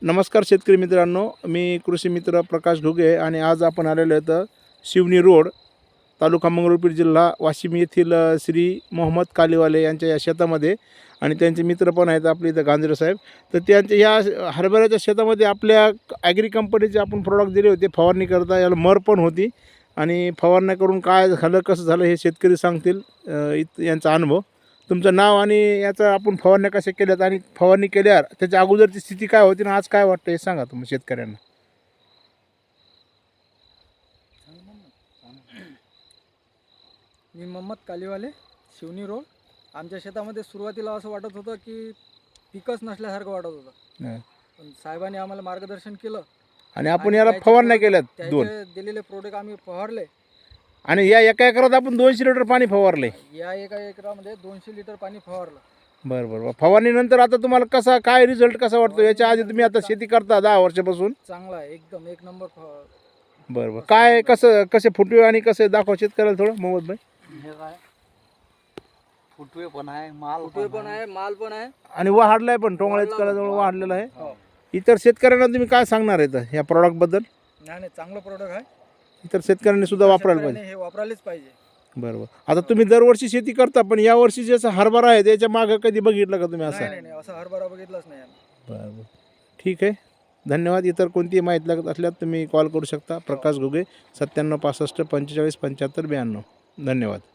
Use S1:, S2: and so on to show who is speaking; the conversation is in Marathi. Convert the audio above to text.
S1: नमस्कार शेतकरी मित्रांनो, मी कृषी मित्र प्रकाश घुगे आणि आज आपण आलेलो आहे शिवनी रोड, तालुका मंगरुळपीर, जिल्हा वाशिम येथील श्री मोहम्मद कालीवाले यांच्या या शेतामध्ये. आणि त्यांचे मित्र पण आहेत आपले इथं गांजरे साहेब. तर त्यांच्या या हरभऱ्याच्या शेतामध्ये आपल्या ॲग्री कंपनीचे आपण प्रोडक्ट दिले होते फवारणी करता. याला मर पण होती आणि फवारणी करून काय झालं कसं झालं हे शेतकरी सांगतील यांचा अनुभव. तुमचं नाव आणि याचा आपण फवारण्या कशा केल्यात आणि फवारणी केल्यावर त्याच्या अगोदरची स्थिती काय होती आणि आज काय वाटतं हे सांगा तुम्ही शेतकऱ्यांना.
S2: मी मोहम्मद कालीवाले, शिवनी रोड. आमच्या शेतामध्ये सुरुवातीला असं वाटत होतं की पिकच नसल्यासारखं वाटत होतं, पण साहेबांनी आम्हाला मार्गदर्शन केलं
S1: आणि आपण याला फवारण्या केल्यात दोन.
S2: दिलेले प्रोडक्ट आम्ही फवारले
S1: आणि या एका एकरात आपण 200 लिटर पाणी फवारले.
S2: या एका एकरामध्ये 200 लिटर पाणी फवारलं.
S1: बरं बरं. फवारणीनंतर आता तुम्हाला कसा काय रिझल्ट कसा वाटतो? याच्या आधी तुम्ही आता शेती करता 10 वर्षापासून.
S2: चांगला आहे, एकदम एक नंबर.
S1: बरं बरं. काय कसे फुटवे आणि कसे दाखवा शेतकऱ्याला थोडं मोहम्मद भाई.
S2: हे काय फुटवे पण आहे, माल पण आहे
S1: आणि वाढलाय पण टोंगळ्यात कलाजवळ वाढलेला आहे. इतर शेतकऱ्यांना तुम्ही काय सांगणार आहे या प्रॉडक्ट बद्दल?
S2: नाही, चांगलं प्रोडक्ट आहे.
S1: इतर शेतकऱ्यांनी सुद्धा वापरायला पाहिजे.
S2: हे वापरायलाच पाहिजे.
S1: बरोबर. आता तुम्ही दरवर्षी शेती करता, पण या वर्षी जसं हरभरा आहे त्याच्या मागं कधी बघितलं का तुम्ही असं?
S2: नाही, असं हरभरा बघितलाच नाही.
S1: बरोबर, ठीक आहे, धन्यवाद. इतर कोणतीही माहिती लागत असल्यास तुम्ही कॉल करू शकता. प्रकाश घुगे, 97 65 45 75 92. धन्यवाद.